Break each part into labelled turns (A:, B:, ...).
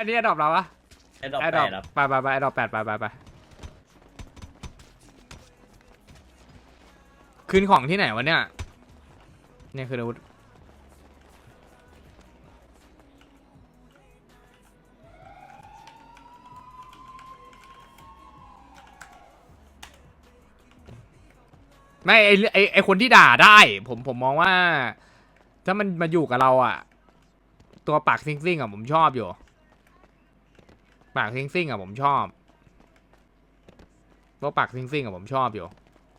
A: อันนี้ดรอปเราปะ
B: ไอ้ดอก
A: ไอ้
B: แป
A: ดรอป
B: ดครับ
A: ไปไอ้ดรอป8ไปคืนของที่ไหนวะเนี่ยเนี่ยคืออาวุธไม่ไอคนที่ด่าได้ผมมองว่า ถ้ามันมาอยู่กับเราอ่ะ ตัวปากซิ่งอ่ะผมชอบอยู่ปากซิ่งอ่ะผมชอบตัวปากซิ่งอ่ะผมชอบอยู่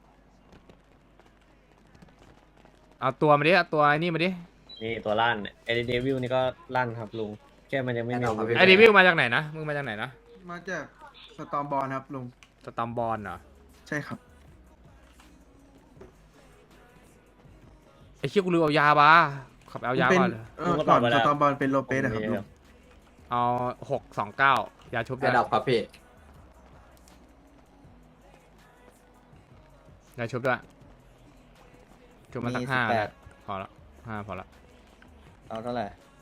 A: เอาตัวมาดิเอาตัวไอ้นี่มาดิ
B: นี่ตัวลั่นไอ้เดวิลนี่ก็ลั่นครับลุงแค่มันยังไม่มีอาวุธ
A: ไอ้ดิวิวมาจากไหนนะมึงมาจากไหนนะ
C: มาจากสตอมบอลครับลุง
A: สตอมบอลเหรอ
C: ใช่ครับ
A: ไอ้เชี่ยกูลืมเอายาบ้าขับเอายา
C: เป็น
A: ก่อน
C: ก่อนสตอมบอลเป็นโลเปสนะครับลุง
A: เอา629ยาชุบ
D: ระดับครับพี่
A: ยาชุบด้วยชุบมาสัก5พอละ5พอละ
B: เอาเท่าไหร่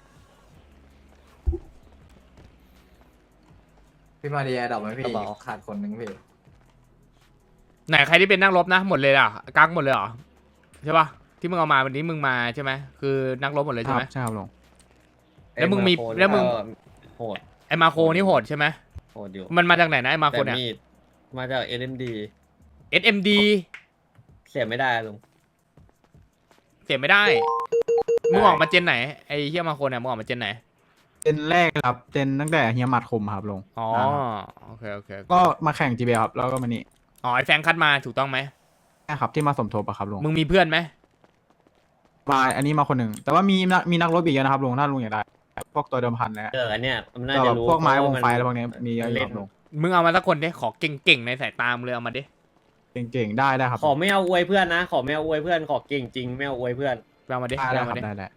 D: พี่มาดีระดับไหมพี่ขาดคนหนึ่งพี่
A: ไหนใครที่เป็นนักรบนะหมดเลยอ่ะกักหมดเลยเหรอใช่ปะที่มึงเอามาวันนี้มึงมาใช่ไหมคือนักรบหมดเลยใช่ไหม
C: ใช่ครับลุง
A: แล้วมึงมีแล้วมึง
B: โหด
A: ไอมาโคนี่โหดใช่ไหม
B: โหดอยู่
A: มันมาจากไหนนะไอมาโค
B: แต่
A: เนี่ย
B: มีดมาจาก SMD
A: SMD
B: เสียไม่ได้ลุง
A: เสียไม่ได้มึงออกมาเจนไหนไอเฮียมาโคเนี่ยมึงออกมาเจนไหน
C: เจนแรกครับเจนตั้งแต่เฮียหมัดคมครับลุง
A: อ๋อโอเค
C: ก็มาแข่ง GBL ครับแล้วก็มานี่
A: อ๋อไอแฟงคัดมาถูกต้องไหม
C: ใช่ครับที่มาสมทบอะครับลุง
A: มึงมีเพื่อนไหม
C: มาอันนี้มาคนหนึ่งแต่ว่ามีนักรบอีกเยอะนะครับลุงถ้าลุงอยากได้พวกตัวเดิมพันนะ
B: อันเนี้ยมันน่า
C: ก็
B: จะ
C: แบบ
B: รู้
C: พวกไม้วงไฟ
B: เพ
C: อะไร
B: ราะ
C: พ
B: ว่าว
C: กนี้มีเยอะอยู่ครับลุง
A: มึงเอามาสักคนดิขอเก่งๆในสายตามึงเลยเอามาดิ
C: เก่งๆได้ครับ
B: ขอไม่เอาอวยเพื่อนนะ ขอไม่เอาอวยเพื่อนขอเก่งจริงไม่เอาอวยเพื่อน
A: เอามาดิ
C: ได้
A: เอา
C: ครั
A: มา
C: บ
A: ดิ
C: ได้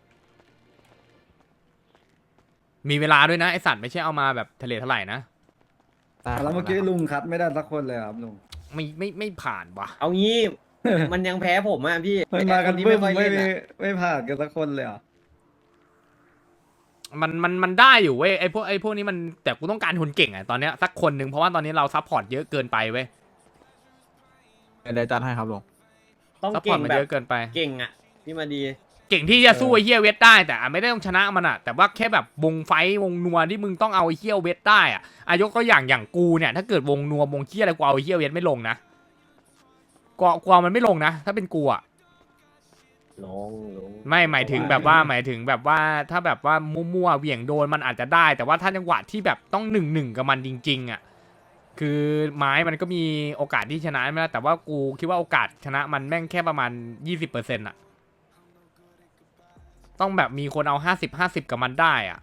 A: มีเวลาด้วยนะไอสัตว์ไม่ใช่เอามาแบบทะเลทลายนะ
E: แล้วเมื่อกี้ลุงคัดไม่ได้สักคนเลยครับลุง
A: ไม่ผ่านว่ะ
B: เอางี้ มันยังแพ้ผมอ่ะพี่
E: มันมากัน
B: ที่
E: บึ้
B: ไม่
E: ม
B: ค่อย
E: ไม่
B: เล่น
E: มี
B: อะ
E: ไม่ผ่านกันสักคนเลยเหรอ่ะ
A: มันได้อยู่เว้ยไอพวกนี้มันแต่กูต้องการคนเก่งอ่ะตอนเนี้ยสักคนหนึ่งเพราะว่าตอนนี้เราซัพพอร์ตเยอะเกินไปเว้ย
C: ได้จัดให้ครับลุง
B: ต้อง
A: ซัพพ
B: เก่
A: อร์ต
B: ง
A: มัน
B: แบ
A: เย
B: บ
A: อะเกินไป
B: เก่งอ่ะพี่มาดี
A: เก่งที่จะสู้ไอ้เฮียเวทได้แต่ไม่ได้ต้องชนะมันอ่ะแต่ว่าแค่แบบวงไฟวงนัวที่มึงต้องเอาไอ้เฮียเวทได้อ่ะยกตัวอย่างกูเนี่ยถ้าเกิดวงนัววงเฮียอะไรกูเอาไอ้เฮียเวทไม่ลงนะกูเอามันไม่ลงนะถ้าเป็นกูอ่ะ
B: ลง
A: ไม่หมายถึงแบบว่าถ้าแบบว่ามั่วๆเหวี่ยงโดนมันอาจจะได้ แต่ว่าถ้าจังหวะที่แบบต้อง1-1กับมันจริงๆอ่ะคือไม้มันก็มีโอกาสที่ชนะไม่ได้แต่ว่ากูคิดว่าโอกาสชนะมันแม่งแค่ประมาณ 20%อ่ะต้องแบบมีคนเอา50-50กับมันได้อ่ะ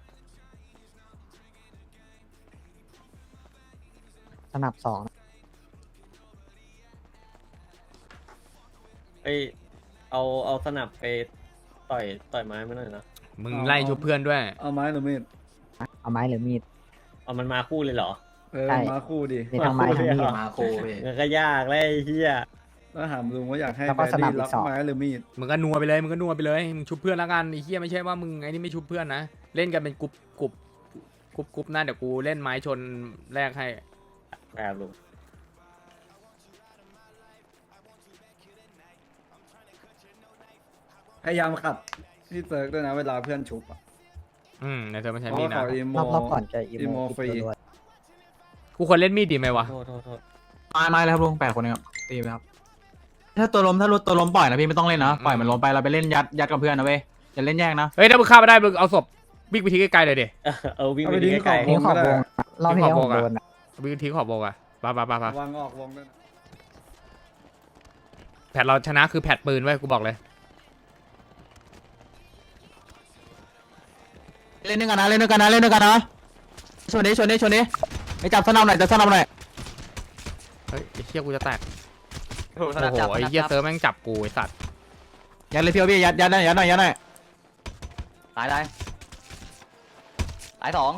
F: สนับสอง
B: ไปเอาสนับไปต่อยไม้ไม่หน่อยนะ
A: มึงไล่ชุบเพื่อนด้วย
E: เอาไม้หรือมีด
F: เอาไม้หรือมีด
B: เอามันมาคู่เลยเหรอ
F: ใช่
E: มาคู่ดิ
F: มีทั้งไม้ทั้งมีด
D: มาโคพี่
B: มันก็ยากเลยไอ้เฮีย
E: แล้วถามลุงว่าอยากให้
F: แล้ว
E: แบ
F: ก็
E: ด
F: สนับ
E: ดี้
F: อีก
E: ล็อก
F: สอง
E: ไม้หรือมีด
A: มึงก็นัวไปเลยมึงชุบเพื่อนแล้วกันไอ้เหี้ยไม่ใช่ว่ามึงไอ้นี่ไม่ชุบเพื่อนนะเล่นกันเป็นกรุ๊ปนะเดี๋ยวกูเล่นไม้ชนแรกให้
B: แบบลุง
E: พยายามขัดที่เซิร์กด้วยนะเวลาเพื่อนชุบอ่ะ
A: ในเธอไม่
E: เพ
A: ใช่
E: ราะ
A: มีด
E: ว่า
A: นะ
E: เขาอีโม
F: รอบก่อนจะอี
E: อี
F: โม
E: โมฟรี
F: ด้วย
A: กูควรเล่นมีดดีไหมวะ
B: โทษ
C: ไม้เลยครับลุง8 คนเองครับตีไปครับถ้าตัวล้มปล่อยนะพี่ไม่ต้องเล่นนะปล่อยมันล้มไปเราไปเล่นยัดกับเพื่อนนะเว้ยอย่าเล่นแยกนะ
A: เฮ้ยถ้ามึงฆ่าไม่ได้มึงเอาศพวิ่งไปทิ้งไกลๆเลยดิ
B: วิ่ง
E: เอา
B: ไป
E: ไป
B: ดี
E: ทิ้ง
B: ไกล
E: ของ
F: ทิ้งขอบวงรอบที่แล้ว
A: ทิ้
F: ผ
A: งขอบวงอะ
F: มโดนอะ
A: วิ่งทิ้งขอบโบกอะไป
E: วางออกวงด้วยนะ
A: แผดเราชนะคือแผดปืนไว้ยกูบอกเลย
C: เล่นด้วยกันนะชนดิไอ้จับสนับหน่อย
A: เฮ้ยไอ้เชี่ยกูจะแตกโอ้โหไอ้เหี้ยเซิร์ฟแม่งจับกูไอ้สัตว์
C: ยัดเลยพี่ยัดหน่อย
D: ตายตาย2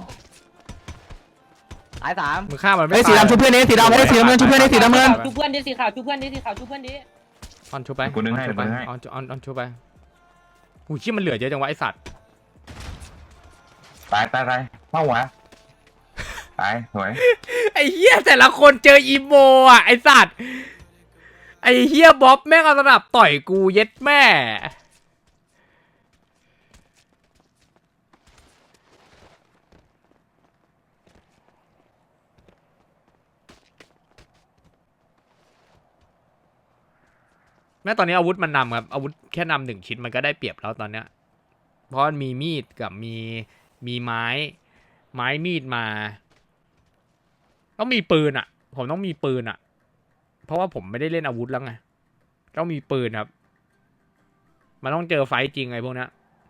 D: ตาย3
A: มึงฆ่ามันไม่
C: ไอ้
A: ตาย
C: สีดำชุบเพื่อนนี่สีดำไม่ได้สีน้ำเงินชุบเพื่อนนี่สีน้ำเงิน
G: ชุบเพื่อนดิสีขาวชุบเพื่อนดิสีขาวชุบเพื่อนดิ
A: ออนชุบไป
H: กูนึงให้
A: ออนชุบไปหูเชี่ยมันเหลือเยอะจังวะไอ้สัตว์
H: ตายเป้าหัวตายสวย
A: ไอ้เฮียแต่ละคนเจออีโมอ่ะไอ้สัตว์ไอ้เฮียบ๊อบแม่งเอาสนับต่อยกูเย็ดแม่แม่ตอนนี้อาวุธมันนำครับอาวุธแค่นำ1 ชิ้นมันก็ได้เปรียบแล้วตอนเนี้ยเพราะมันมีมีดกับมีไม้มีดมาต้องมีปืนอ่ะผมต้องมีปืนอ่ะเพราะว่าผมไม่ได้เล่นอาวุธแล้วไงต้องมีปืนครับมันต้องเจอไฟต์จริงไอ้พวกเนี้ย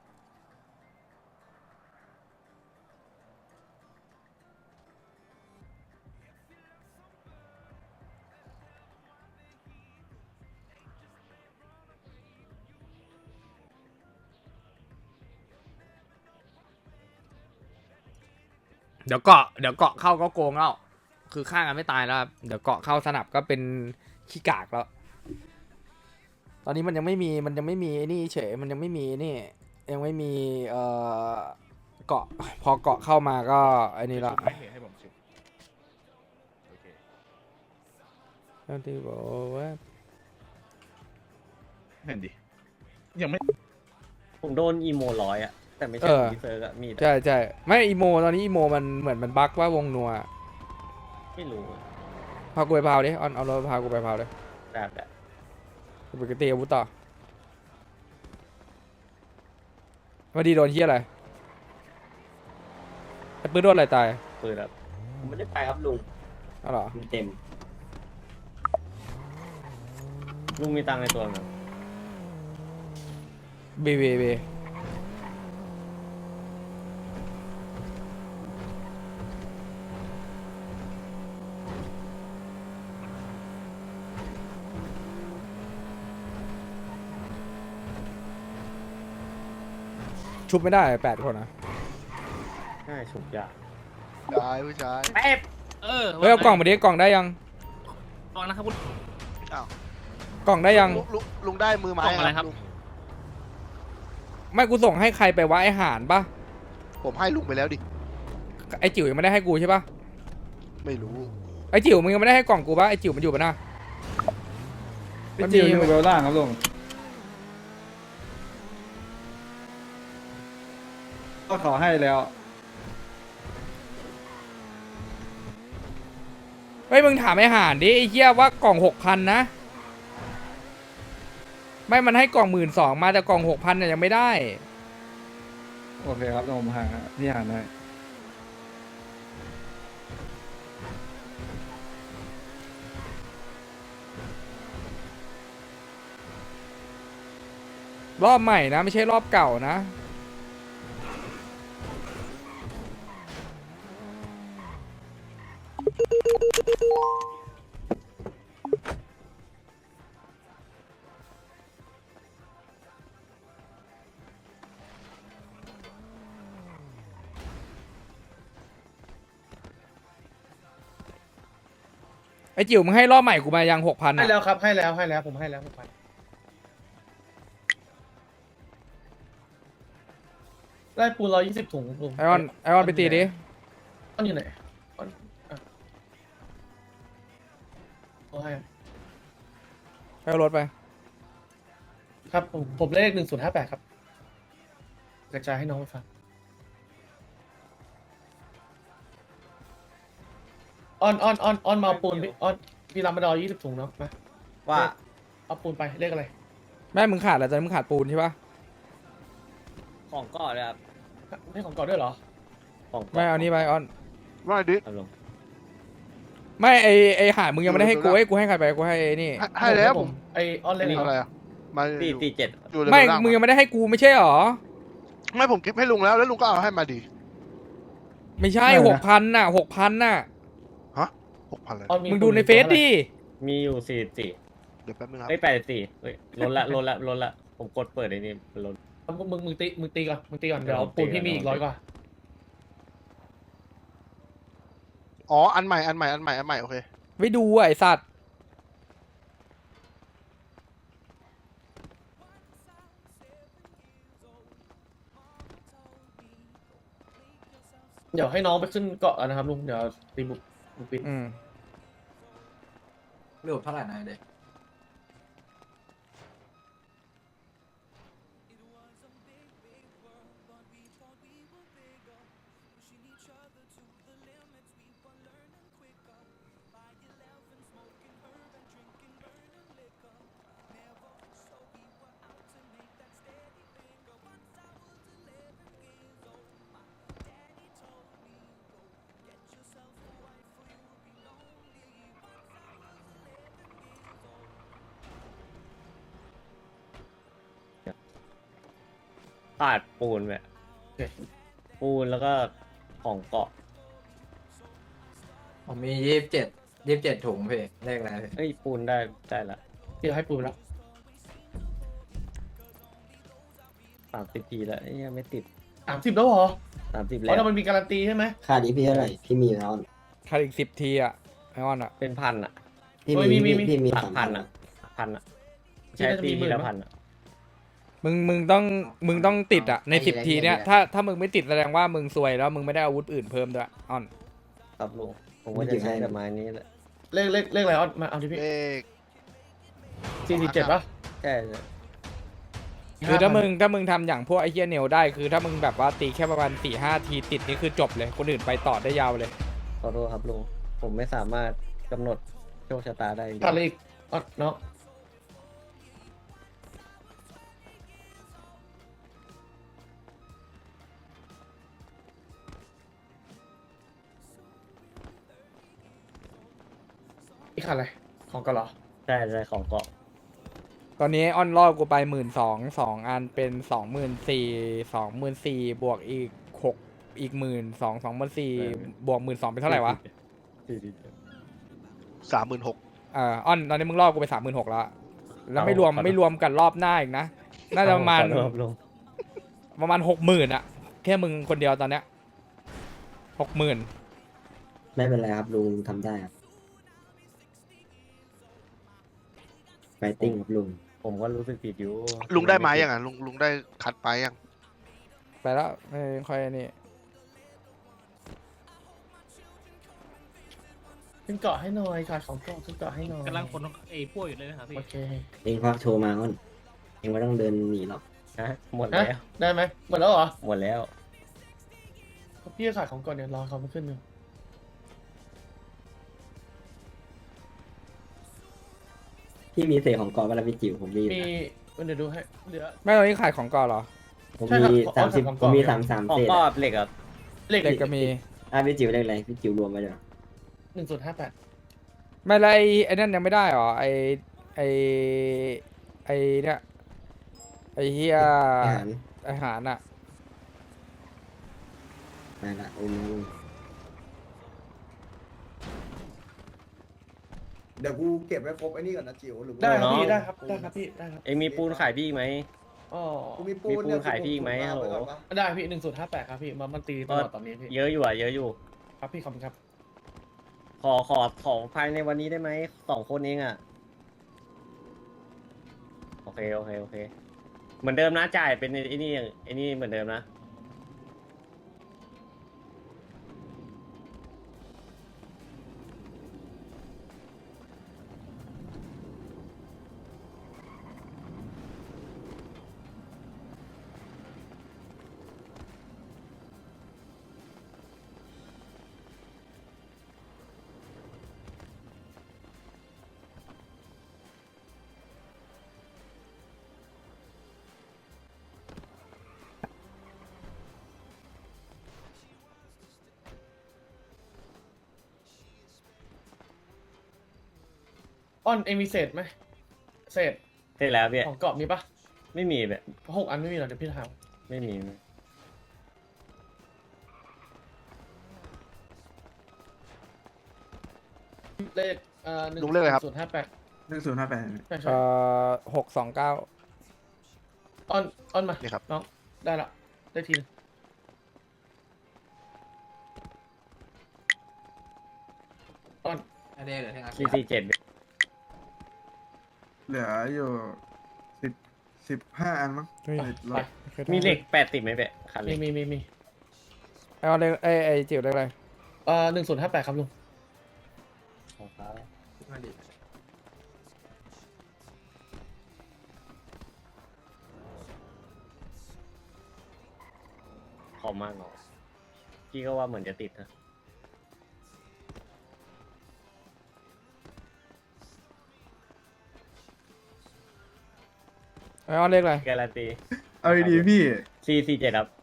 A: เดี๋ยวเกาะเข้าก็โกงแล้วคือฆ่ากันไม่ตายแล้วครับเดี๋ยวเกาะเข้าสนับก็เป็นขี้กากแล้ว ตอนนี้มันยังไม่มีไอ้นี่เฉยมันยังไม่มีนี่ยังไม่มีเกาะพอเกาะเข้ามาก็ไอ้นี่ละให้ผมชุบโอเคที่บอกว่า
H: เห็นดิยังไม่
B: ผมโดนอีโมร้อยอะแต่ไม่ใช่พีเซอร์อะมีด
A: ใช่ใช่ไม่อีโมตอนนี้อีโมมันเหมือนมันบั๊กว่าวงนัว
B: ไม่รู้
A: พากูไปพาวดิเอารถพากูไปพาวเลย
B: แบบ
A: กูไปตีอาวุธต่อมาดีโดนเฮียอะไรไอ้ปืนโดนอะไรตาย
B: ปืนแบบผมไม่ได้ไปครับลุง
A: เอาเหรอ
B: เต็มลุงมีตังค์ในตัวไหม
A: บีชุบไม่ได้8 คนนะ
B: ง่ายฉุกยาก
H: ชายผู้ชาย
B: แป๊บ
A: เฮ้ยเอากล่องมาดิกล่องได้ยัง
I: ฟังนะครับคุณ
A: กล่องได้ยัง
H: ลุงได้มือไม้
I: กล่องอะไรครับ
A: ไม่กูส่งให้ใครไปวะไอหานปะ
H: ผมให้ลุงไปแล้วดิ
A: ไอจิ๋วยังไม่ได้ให้กูใช่ปะ
H: ไม่รู้
A: ไอจิ๋วมึงยังไม่ได้ให้กล่องกูปะไอจิ๋วมันอยู่ปะนะ
E: พี่จิวอยู่เบลล่างครับลุงก็ขอให้แล้ว
A: เฮ้ยมึงถามไอหานดิไอเหี้ยว่ากล่อง6,000นะไม่มันให้กล่อง12,000มาแต่กล่อง6,000เนี่ยยังไม่ได้
E: โอเคครับผมหาพี่หาได้
A: รอบใหม่นะไม่ใช่รอบเก่านะไอจิ๋วมึงให้รอบใหม่กูมายัง6,000
I: ให้
A: อ่ะ
I: แล้วครับให้แล้วผมให้แล้วผมไปได้ปูน120 ถุงลุง
A: ไอออนไปตีดิ
I: ออนอยู่ไหนออนอ่ะเอาให้
A: ให้เอารถไป
I: ครับผมเลข1058ครับกระจายให้น้องไปฟังออนมาเอาปูนพี่ออนพี่รับมาดอ20 ถุงเนาะมา
B: ว่า
I: เอาปูนไปเลขอะไร
A: แม่มึงขาดอะไรตอนนี้มึงขาดปูนใช่ปะ
B: ของก่อนเลยครับ
I: ให้ของก่อนด้วยเหรอ
B: ของก่
A: ไม่เอานี่ไปออน
H: ว่าดิ
B: เอาลง
A: ไม่ไอหามึงยังไม่ได้ให้กูให้กูให้ใครไปกูให้ไอ้นี่
H: ให้แล้วผม
I: ไอออนเลข
H: อะไรอ่ะมา
B: 447
H: อยู่ใน
A: ไม่
H: เรื่อง
A: มึงยังไม่ได้ให้กูไม่ใช่หรอ
H: ไม่ผมคลิปให้ลุงแล้วลุงก็เอาให้มาดิ
A: ไม่ใช่6,000น่ะ6,000น่ะ
H: 6,000เลย
I: ออน
A: มึงดูในเฟซดิ
B: มีอยู่44
H: เดี๋ยวแป๊บนึงครับ
B: เอ้ย84เฮ้ยล้นละผมกดเปิดไอ้นี่มันล้น
I: มึงตีก่อนเดี๋ยวปูนพี่มีอีก100 กว่า
H: อ๋ออันใหม่โอเค
A: ไปดูอ่ะไอสัตว์
I: เดี๋ยวให้น้องไปขึ้นเกาะกันนะครับลุงเดี๋ยวตีบุกปิด
A: อืม
D: เรื่องเท่าไหร่นะเด็ก
B: ขาดปูนแบบ
I: โอเค
B: ปูนแล้วก็ของเกาะ
D: ผมมี27ถุงพี่เลขอะไรพี่
B: เอ้ยปูนได้ละ
I: เดี๋ยวให้ปูแล้ว
B: 30 ทีแล้วเอ้ยยังไม่ติด
I: 30แล้วเหรอ
B: 30
I: เพ
B: แล้ว
I: ราะเรามันมีการันตีใช่ไหม
E: ค่านี้พี่เท่าไหร่พี่มีแล้ว
A: ถ้าอีก10 ทีอ่ะไอออนอ่ะ
B: เป็นพันอ่ะ
E: พี่
I: เฮ้ยมี
E: พี่มี
B: หลัก
E: สาม
B: พั
E: พั
B: น
E: น
B: อ่ะพันอ่ะ
I: ที่
B: ใช้
I: น่าจะ
B: ตี
I: มีหมื่
B: ที
I: น
B: ละ
I: มั้ย
B: พันอ่ะ
A: มึงต้องติดอ่ะใน10 ทีเนี้ยถ้ามึงไม่ติดแสดงว่ามึงซวยแล้วมึงไม่ได้อาวุธอื่นเพิ่มด้วยออน
B: ครับลุงผมว่าจะใช้แต่ไม้นี้แหละ
I: เลขอะไรอ้อนมาเอาดิพี่
H: เลข
I: 447ป่ะ
B: ใช่
A: คือถ้ามึงทำอย่างพวกไอเฮียเนลได้คือถ้ามึงแบบว่าตีแค่ประมาณ4-5 ทีติดนี่คือจบเลยคนอื่นไปต่อได้ยาวเลย
B: ขอโทษครับลุงผมไม่สามารถกำหนดโชคชะตาได้จริง
I: ขาดอะไรอีกอ้อนเนาะอีกขาดอะไรของกันเหรอ
B: ใช่ของเกาะ
A: ตอนนี้ออนรอบกูไป12,002อันเป็น24,000บวกอีก6อีก12,000 24,000บวก12,000เป็นเท่าไหร่วะ
H: 36,000
A: ออนตอนนี้มึงรอบกูไป36,000แล้วแล้วไม่รวม
B: ขอโทษ
A: ไม่รวมกันรอบหน้าอีกนะน่าจะประมาณ
B: ขอโทษครับลุง
A: 60,000อะแค่มึงคนเดียวตอนเนี้ย60,000
E: ไม่เป็นไรครับลุงทำได้ครับไฟติ้งครับลุง
B: ผมก็รู้สึกผิดอยู่
H: ลุงได้ไม้ยังอ่ะลุงได้คัดไปยัง
A: ไปแล้วไม่ค่อยนี่
I: ขึ้นเกาะให้หน่อยขาดของเกาะขึ้นเกาะให้หน่อย
G: กำลังคนไอ้พวกอยู่เลยนะครับพี่
I: โอเค
E: เองควักโชว์มาอ้นเองไม่ต้องเดินหนีหรอก
B: ฮะหมด
I: ฮะ
B: แล้ว
I: ได้ไหมหมดแล้วเหรอ
B: หมดแล้ว
I: พี่ขาดของก่อนเนี่ยรอเขามาขึ้นอยู่
E: พี่มีเศษของกองเวลาพี่จิ๋วผมมี
I: มีเดี๋ยวดูให้เหลือ
A: ไม่ตอนนี้ขายของก่อนเหรอ
E: ผม
I: ใช่ครับ
E: มี
I: ขอ
E: 30
I: ของ
E: ผ
I: กอง
E: มมี
I: เนี่ย
E: 33
B: ของ
E: เศษ
B: ก็
E: อะ
B: เหล็กอ่ะ
I: เลข
A: เด็กก็มี
E: พี่จิ๋วเลขอะไรพี่จิ๋วรวมไว้เดี๋ยว
I: 1058
A: ไม่แล้วไอ้นั่นยังไม่ได้เหรอไอเนี่ยไอเฮีย
E: อาหาร
A: อาหารอะ
E: ไปละโอ้โห
J: เดี๋ยวกูเก็บไว้ครบไอ้นี่ก่อนนะจิ๋วหรือว่า
I: ได้ครับ
B: น้อง
I: พี่ได้ครับได้ครับพี่ได้ครับ
B: เองมีปูนขายพี่อีกไหม
I: อ๋อ
J: กูมีปู
B: มี
J: น
B: ปูนขายพี่อีกไหมฮัลโหล
I: ได้พี่1058ครับพี่มันตีตลอดตอนนี้พี่
B: เยอะอยู่อ่ะเยอะอยู่
I: ครับพี่ขอบคุณครับ
B: ขอภายในวันนี้ได้ไหม2 คนเองอ่ะ โอเคเหมือนเดิมนะจ่ายเป็นไอ้นี่เหมือนเดิมนะ
I: อ้อนเองมีเศษไหมเศษ
B: เสร็จแล้วพี่
I: ของเกาะมีปะ
B: ไม่มีแบบ
I: 6 อันไม่มีหรอเดี๋ยวพี่ถาม
B: ไม่มี
I: เลข
H: ลุงเลขอะไรครับ
I: 1058
J: 1058
I: ใช่ใช่
A: 629
I: อ้อนมา
H: นี่ครับ
I: น้องได้ละได้ทีนึงอ้อน
D: อันนี้เหลือแค่งาน
B: 447
J: เหลืออยู่15 อันมั้ง
A: เฮ้ย
I: ไป
B: มีเหล็ก80ไหมเป๊ะคันเหล็ก
I: มี
A: ไปเอาเลขไอ้จิ๋วเลขอะไร
I: 1058ครับลุง
B: ของเขา
D: มาดิ
B: ขอมากหน่อยพี่ก็ว่าเหมือนจะติดนะ
A: เอาเลขอะไร
B: การันตี
J: เอาดีๆพี่
B: 447ครับ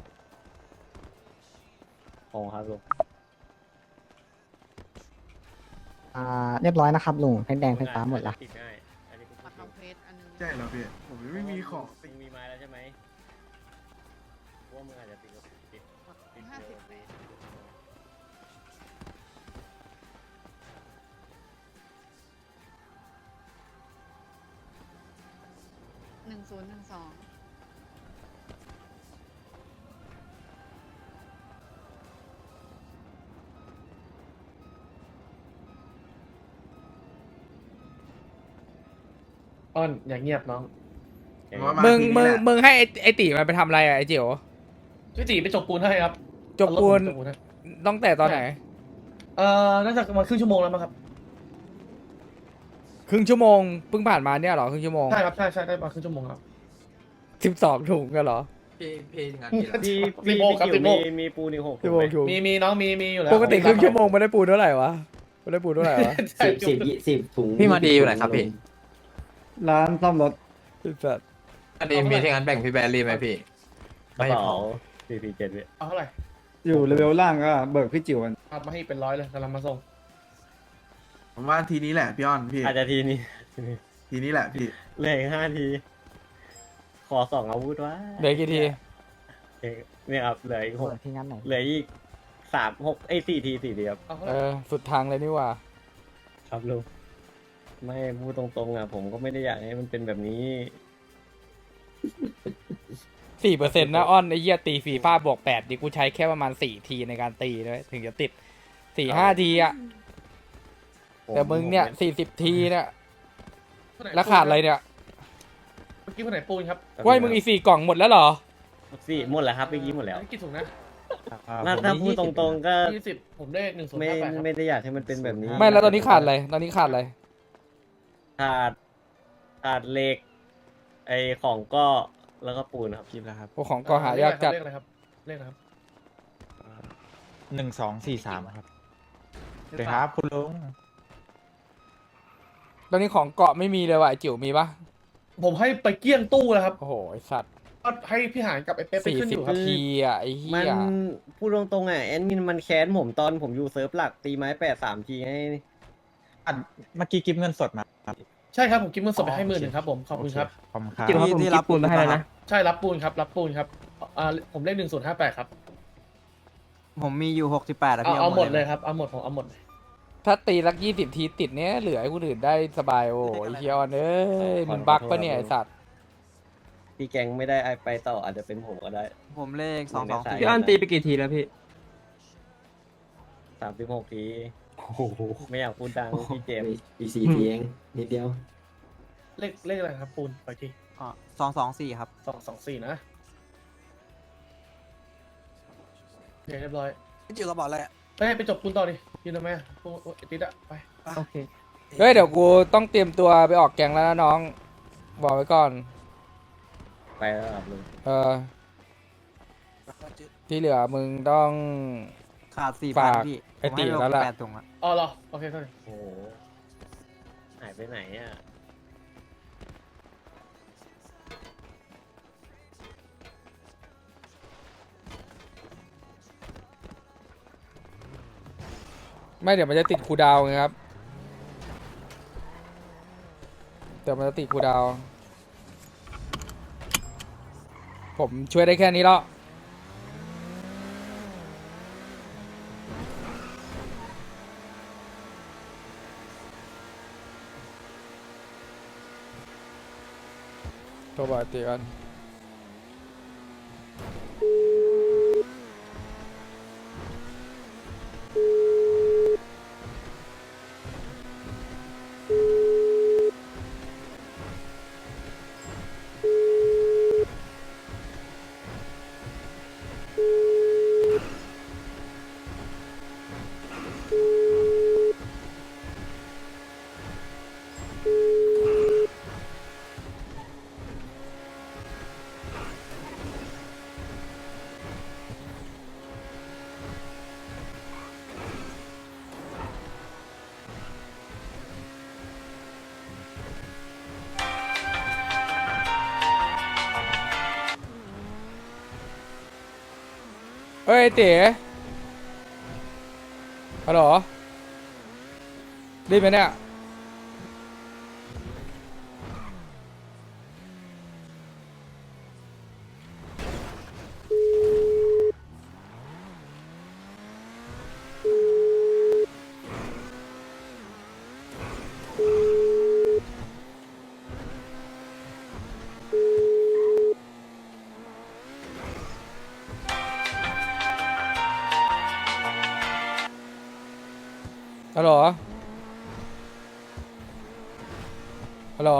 B: ของครับลุง
F: เรียบร้อยนะครับลุงแพ็คแดงแพ็คฟ้าหมดละ
B: ติดง่ายอันนี้กู
K: ปัดลองเพจอันนึง
J: ใช่แล้วพี่ ผมยังไม่มีของ
B: มึงมีไม้แล้วใช่ไหมว่ามึงอาจจะติดติด
K: 58 1012
I: อ้อนอย่าเงียบน้อง
A: มึงให้ไอ้ตีมันไปทำอะไรอะไอ้จิ๋ว
I: พี่ตีไปจบปูนให้ครับ
A: จบปูน
I: เอารถผมจบปูนให้
A: ต้องแต่ตอนไหน
I: น่าจะประมาณครึ่งชั่วโมงแล้วมั้งครับ
A: ครึ่งชั่วโมงเพิ่งผ่านมาเนี่ยเหรอครึ่งชั่วโมง
I: ใช่ครับใช่ได้ประมาณครึ่งชั่วโมงครับ
A: 12 ถุงกันเหรอ
D: พี่งานกี่แล้ว
B: พี่
I: สิ
B: พี่
I: บโมงครับ
B: จิ๋ว
I: 10โมง
B: มีปูนี่6
A: ชั่วโมงถุง
I: มีน้องมีอยู่แล้ว
A: ปกติครึ่งชั่วโมงไม่ได้ปูนเท่าไหร่วะไม่ได้ปูนเท่าไหร่วะ
I: ใช่
B: 10ถุง
C: พี่มาดีอยู่ไหนครับพี่
E: ร้านซ่อมรถ
A: ไอ้สัตว์
D: อันนี้มีที่งานแบ่งพี่แบรี่ไหมพี่
B: กระเป๋า447พี่
I: เอาเท่าไหร่
E: อยู่เลเวลล่างก็เบิกพี่จิ๋วกัน
I: เอามาให้เป็น100เลยกำลังมาส่ง
J: ผมว่าทีนี้แหละพี่อ้อนพี่
B: อาจจะทีนี้
J: ทีนี้แหละพี่
B: เหลืออีก5 ที ขอ2 อาวุธวะ
A: เหลือกี่ที
B: เนี่ยครับเหลืออีก
F: เปิดที่งั้นไหน
B: 6เหลืออีก4 ทีครับ
I: เอาเท่าไห
A: เอ
I: ร่
A: อสุดทางเลยนี่หว่า
B: ครับลุงไม่พูดตรงๆอ่ะผมก็ไม่ได้อยากให้มันเป็นแบบนี้
A: 4%นะอ้อนไอ้เหี้ยตีฟีฟ่าบวก8ดิกูใช้แค่ประมาณ4 ทีในการตีด้วยถึงจะติด 4-5 ทีอะแต่มึงเนี่ย40 ทีเนี่ยแล้วขาดอะไรเนี่ย
I: เมื่อกี้คนไหนปูนครับ
A: ว่าให้มึงอีก4 กล่องหมดแล้วเหรอ
B: สี่หมดแล้วครับเมื่อกี้หมดแล้ว
I: อันนี้กี่ถุงนะ
B: ถ้าพูดตรงๆก็
I: 20ผมเลข
B: ไม่
I: 1058ครับ
B: ไม่ได้อยากให้มันเป็นแบบนี้
A: ไม่แล้วตอนนี้ขาดอะไรตอนนี้ขาดอะไร
B: ขาดเหล็กไอของก็แล้วก็ปูนครับ
C: คลิปแล้วครับ
A: พวกของก็หายากจัด
I: เลขอะไรครับเลขอะไรครับ
C: 1243ครับสวัสดีครับคุณลุง
A: ตอนนี้ของเกาะไม่มีเลยว่ะไอ้จิ๋วมีปะ
I: ผมให้ไปเกลี้ยงตู้แล้วครับ
A: โอ้โหไอ้สัตว์
I: ก็ให้พี่หานกับไอ้เป๊ปไปขึ้นอยู่ครับ
A: 40 ทีอ่ะไอ้เหี้
B: มัน
A: ย
B: พูดตรงๆอ่ะแอดมินมันแค้นผมตอนผมอยู่เซิร์ฟหลักตีไม้8 3 ทีให้
C: เมื่อกี้กิฟเงินสดมา
I: ใช่ครับผมกิฟต์เงินสดไปให้10,000ครับผมขอบคุณครับ
C: ขอบคุณครับ
F: ที่รับปูนมาให้แล้วนะ
I: ใช่รับปูนครับรับปูนครับผมเลข1058ครับ
C: ผมมีอยู่68อะ
I: เอา
C: พี่
I: เอาหมดเลยครับเอาหมดผมเอาหมดเลย
A: ถ้าตีลัก20 ทีติดเนี้ยเหลือให้คนอื่นได้สบายโอ้ยเฮียออนเอ้ยมึงบักปะเนี่ยไอ้สัตว์
B: พี่แกงไม่ได้ไปต่ออาจจะเป็นผมก็ได้
C: ผมเลข
B: 224
C: พี่อ้อนตีไปกี่ทีแล้วพี่
B: 36 ทีไม่อยากพูดดังพี่เจมส์
C: อีก4ทีเองนิดเดียว
I: เลขอะไรครับปูนไปที
C: 224ครับ
I: 224นะโอเคเรียบร้อย
C: พี่จิ๋วกระบอกอะไร
I: ไปจบปูนต่อดิยืนทำไมอะปูนติดอะไป
F: โอเค
A: เฮ้ยเดี๋ยวกูต้องเตรียมตัวไปออกแกงแล้วนะน้องบอกไว้ก่อน
B: ไปแล้วครับลุง
A: ที่เหลือมึงต้อง
C: ขาด
A: ฝาก
C: 4,000พี่
A: ไอ้ตีแล้วล่ะ
C: 8ถุงอะ
I: อ๋อเหรอโอเคเท่าไหร่
B: โอ้โหหายไปไหนอ่ะ
A: ไม่เดี๋ยวมันจะติดคูลดาวน์ไงครับเดี๋ยวมันจะติดคูลดาวน์ผมช่วยได้แค่นี้แล้วโทรบอกไอ้ตีกันฮ้ยเต๋ฮัลโหลได้ไหมเนี่ยฮัลโหลฮัลโหล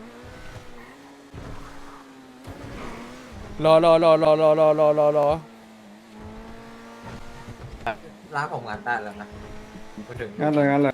A: รอ
D: ร้านผมงานได้แล้วนะพูดถึง
E: งั้นเลย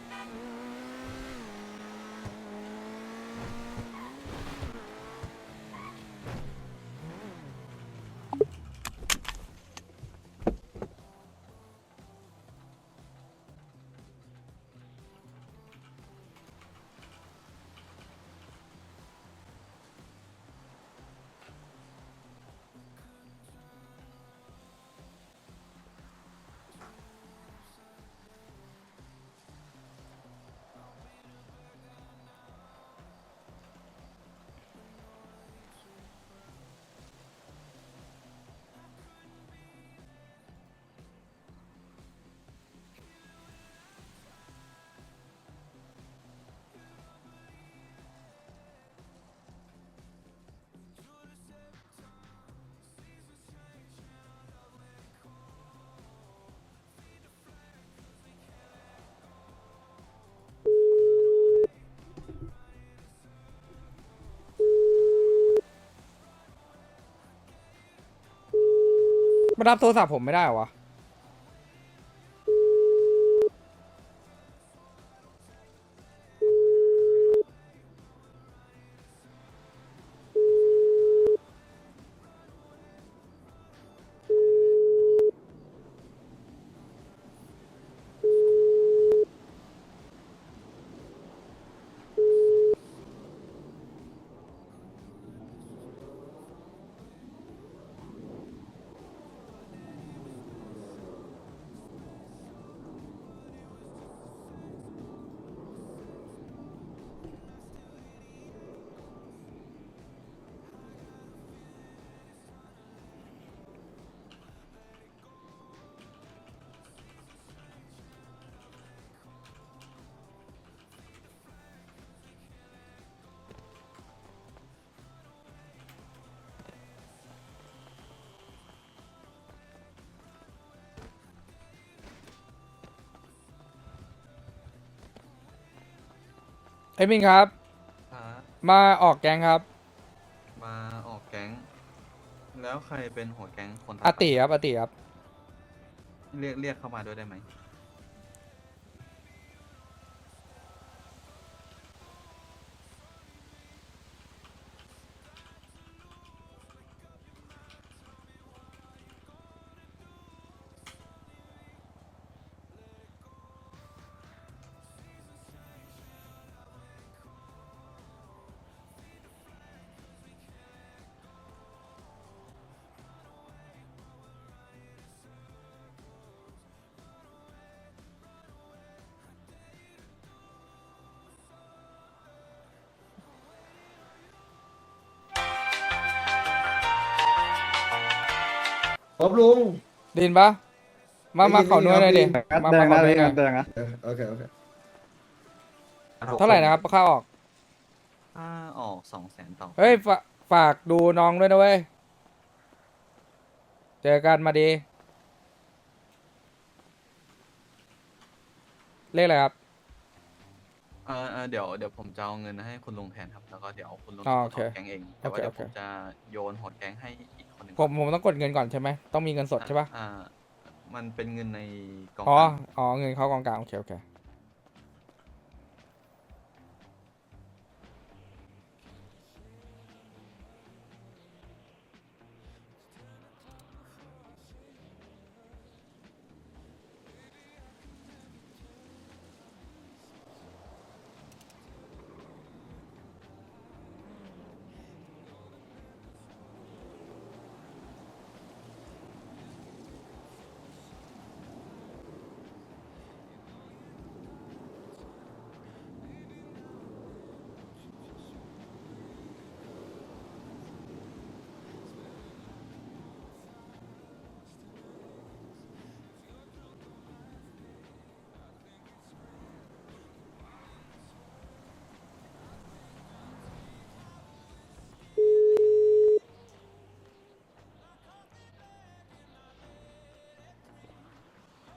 A: มารับโทรศัพท์ผมไม่ได้เหรอวะเอ้ยมินครับ มาออกแกงครับ
C: มาออกแก๊ง แล้วใครเป็นหัวแก๊งคน
A: อาติครับอาติครับ
C: เรียกเข้ามาด้วยได้ไหม
E: ครับลุง
A: ไดยินปะมาขอหน่วยหน่อยดิ
E: งัด
A: มา
E: แด
A: มาง ขอ
E: นะ
A: หน่วยหน่
E: งั
A: อย
E: ดแดงนะโอเค
A: เท่าไหร่นะครับค่าออก
C: ถ้าออก200,000ต่อ
A: เฮ้ยฝากดูน้องด้วยนะเว้ย เจอกันมาดี เลขอะไรครับ
C: เดี๋ยวผมจะเอาเงินให้คุณลุงแทนครับ แล้วก็เดี๋ยวคุณลุง
A: อ๋อ
C: จะ
A: โอเค
C: ถอนแก๊งเอง แต่ว่า
A: โอเค
C: เดี๋ยว
A: โอ
C: ผ
A: เค
C: มจะโยนหัวแก๊งให้อีกคนหนึ่ง
A: ผมต้องกดเงินก่อนใช่ไหม ต้องมีเงินสดใช่ปะ
C: มันเป็นเงินในกอง
A: อ๋อ
C: กลาง
A: อ๋อ เงินเข้ากองกลางโอเคโอเค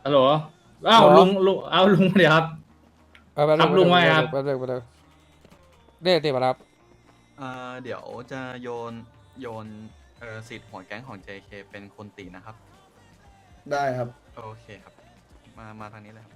I: ฮัลโหลอ้าวลุงเอาลุงเดี๋ยวครับ ครับลุงว่าไงครับ
A: แป๊บนึงเรียกมาครับ
C: เดี๋ยวจะโยนสิทธิ์หัวแก๊งของ JK เป็นคนตีนะครับ
E: ได้ครับ
C: โอเคครับ มาทางนี้เลยครับ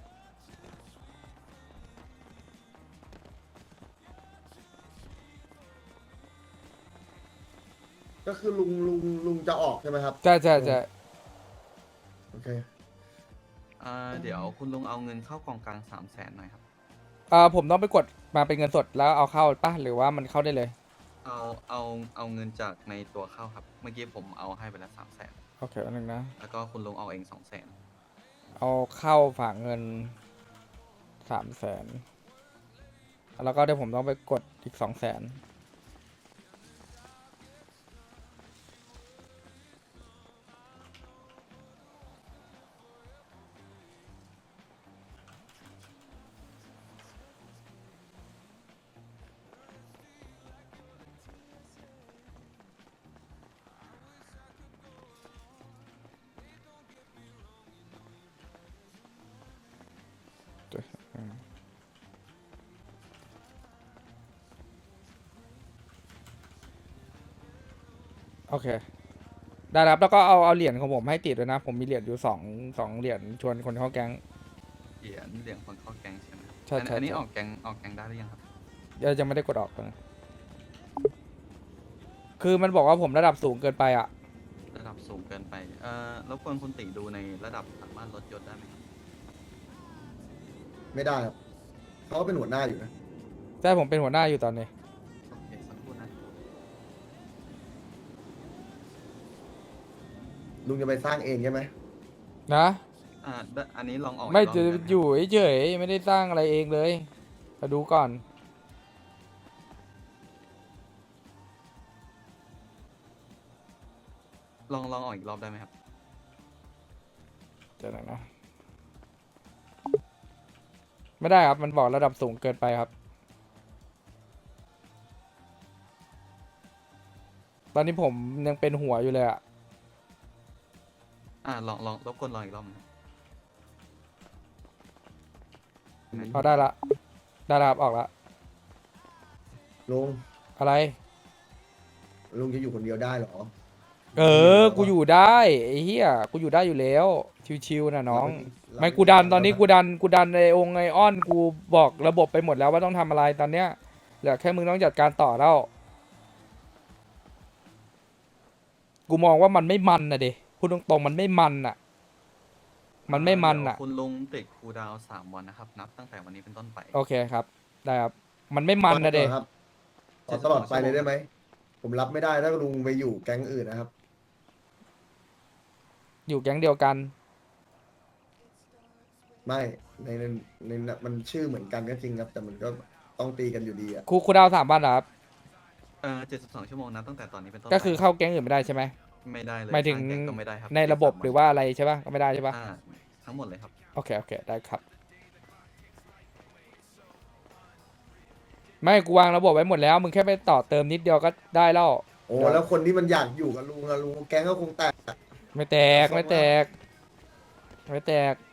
E: ก็คือลุงจะออกใช่ไหมครับ
A: ใช่
E: โอเค
C: เดี๋ยวคุณลุงเอาเงินเข้ากองกลาง300,000หน่อยครับ
A: ผมต้องไปกดมาเป็นเงินสดแล้วเอาเข้าป่ะหรือว่ามันเข้าได้เลย
C: เอาเงินจากในตัวเข้าครับ เมื่อกี้ผมเอาให้ไปแล้ว300,000
A: โอเคอันหนึ่งนะ
C: แล้วก็คุณลุงเอาเอง200,000
A: เอาเข้าฝากเงิน300,000แล้วก็เดี๋ยวผมต้องไปกดอีก200,000โอเค ได้ครับแล้วก็เอาเหรียญของผมให้ติดด้วยนะ ผมมีเหรียญอยู่สองเหรียญชวนคนเข้าแก๊ง
C: เหรียญคนเข้าแก๊งใช่ไหมครับ
A: ใช่
C: อันนี้
A: ใช่
C: ออกแก๊งได้หรือยังครับ
A: ยังไม่ได้กดออกนะคือมันบอกว่าผมระดับสูงเกินไปอ่ะ
C: ระดับสูงเกินไปรบกวนคุณติดูในระดับสามารถลดยศได้ไหมครับ
E: ไม่ได้ครับเขาเป็นหัวหน้าอยู่นะ
A: ใช่ผมเป็นหัวหน้าอยู่ตอนนี้
C: โอเคสักครู่นะ
E: ลุงจะไปสร้างเองใช่ไหม
A: นะ
C: อันนี้ลองออก
A: ไม่
C: อีกรอบ
A: จะ
C: หนึ่งได้ไหม
A: อยู่เฉยๆไม่ได้สร้างอะไรเองเลยมาดูก่อน
C: ลองออกอีกรอบได้ไหมครับ
A: เดี๋ยวนะ ไม่ได้ครับมันบอกระดับสูงเกินไปครับ ตอนนี้ผมยังเป็นหัวอยู่เลยอ่ะ
C: ลองรบกวนลองอีกรอบหนึงครับ
A: เอาได้ละครับออกละ
E: ลุง
A: อะไร
E: ลุงจะอยู่คนเดียวได้เหรอ
A: กูอยู่ได้ไอ้เหี้ยกูอยู่ได้อยู่แล้วชิวๆนะน้อง ไม่กูดันตอนนี้กูดันในองค์ไอออนกูบอกระบบไปหมดแล้วว่าต้องทำอะไรตอนเนี้ยเหลือแค่มึงต้องจัดการต่อแล้วกูมองว่ามันไม่มันนะเดพูดตรงๆมันไม่มันอ่ะ มันไม่มันอ่ะ
C: เดี๋ยวคุณลุงติดคูลดาวน์3 วันนะครับ นับตั้งแต่วันนี้เป็นต้นไป
A: โอเคครับได้ครับมันไม่มันนะเด
E: ครับขอตลอดไปเลยได้ไหม ผมรับไม่ได้ถ้าลุงไปอยู่แก๊งอื่นนะครับ
A: อยู่แก๊งเดียวกัน
E: ไม่ในมันชื่อเหมือนกันก็จริงครับ แต่มันก็ต้องตีกันอยู่ดีอะ
A: ครูดาว3 วันเหรอครับ
C: 72 ชั่วโมงนับตั้งแต่ตอนนี้เป็นต้นไป
A: ก็คือเข้าแก๊งอื่นไม่ได้ใช่ไหม
C: ไม่ได้เลย
A: หมายถึง
C: สร้แก๊ก็ไม่ได้ครับ
A: ในระบบหรือว่าอะไรใช่ปะก็ไม่ได้ใช่ปะ
C: ทั้งหมดเลยครับ
A: โอเคได้ครับ ไม่กูวางระบบไว้หมดแล้ว มึงแค่ไปต่อเติมนิดเดียวก็ได้แล้ว
E: โอ้แล้วคนที่มันอยากอยู่กับลุงอะลุงแก๊งก็คงแตก
A: ไม่แตก